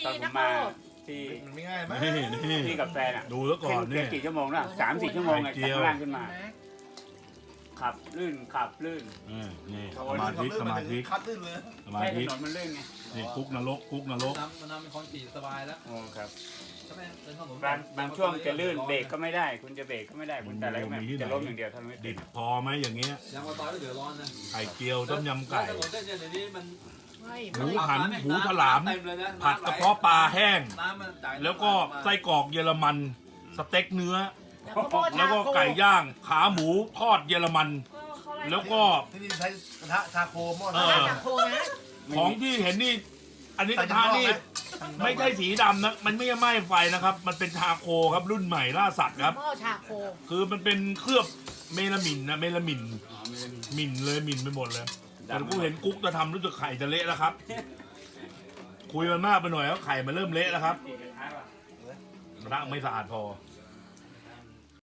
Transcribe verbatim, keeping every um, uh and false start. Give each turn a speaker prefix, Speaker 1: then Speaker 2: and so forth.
Speaker 1: ตอนผมมาที่
Speaker 2: มันไม่ง่ายไหม
Speaker 3: นี่นี่
Speaker 1: ที่กับแฟนอ่ะ
Speaker 3: ดูแล้วก่อน
Speaker 1: ขึ้
Speaker 3: นี่
Speaker 1: กี่ชั่วโมงนะสามสี่ชั่วโมงไง
Speaker 3: ไข่เจี
Speaker 1: จาก
Speaker 3: ยว
Speaker 1: ข้างล่างขึ้นมา ขับลื่นขับลื่น
Speaker 3: เออนี่
Speaker 1: โอ้
Speaker 3: ส
Speaker 1: ย
Speaker 3: มาธิสมาธิ
Speaker 2: คัดลื่นเลย
Speaker 3: สมา
Speaker 1: แค่ถ
Speaker 3: ธิ
Speaker 1: นนมันลื่นไง
Speaker 3: นี่คุกนรกคุกนรก
Speaker 4: น้ำมันน้ำเป็นคอนกรีตสบายแล้ว
Speaker 1: โอ้ครับ
Speaker 4: ใช่ไหมเดินถนน
Speaker 1: บางบางช่วงจะลื่นเบรกก็ไม่ได้ คุณจะเบรกก็ไม่ได้คุณแต่อะไรก็ไม่จะล้มอย่างเดียวเท่านั้นไม่
Speaker 3: ดิ
Speaker 1: ติ
Speaker 3: บ
Speaker 1: ด
Speaker 3: พอไหมอย่างเงี้ย
Speaker 4: ยางมะตอยก็เดือดร้อนนะ
Speaker 3: ไข่เจียวต้มยำไก่
Speaker 4: ถนนเส้นเนี่ยเดี๋ยวนี้มัน
Speaker 3: หมูหันหมูฉลาม
Speaker 4: เต็มเลยนะ
Speaker 3: ผัดกระเพาะปลาแห้ง
Speaker 4: น้ำมันจ่าย
Speaker 3: แล้วก็ไส้กรอกเยอรมันสเต็กเนื้อ
Speaker 5: แล้
Speaker 3: แล้ว ว
Speaker 5: ก็
Speaker 3: ก็ไก่ย่างขาหมูทอดเยอรมัน แล้วก็
Speaker 2: ที่นี่ใช้กระทะชาโคหม้อ
Speaker 3: เอ
Speaker 2: ชา
Speaker 3: อ
Speaker 5: จากโคนะ
Speaker 3: ของที่เห็นนี่ อันนี้กระทะนี่ไม่ใช่สีดำนะ มันไม่ใช่ไหม้ไฟนะครับ มันเป็นชาโคครับรุ่นใหม่ล่าสัตว์ครับ
Speaker 5: หม้อชาโค
Speaker 3: คือมันเป็นเคลือบเมลามินนะเมลามิน
Speaker 1: อ๋อไม่ได้มี
Speaker 3: หมินเลยหมินไปหมดเลยแต่กูเห็นกุ๊กจะทำรู้สึกไข่จะเละแล้วครับ คุยมันมากไปหน่อยแล้วไข่มันเริ่มเละแล้วครับ
Speaker 1: กี่กระทะวะ
Speaker 3: กระทะไม่สะอาดพอ
Speaker 1: เ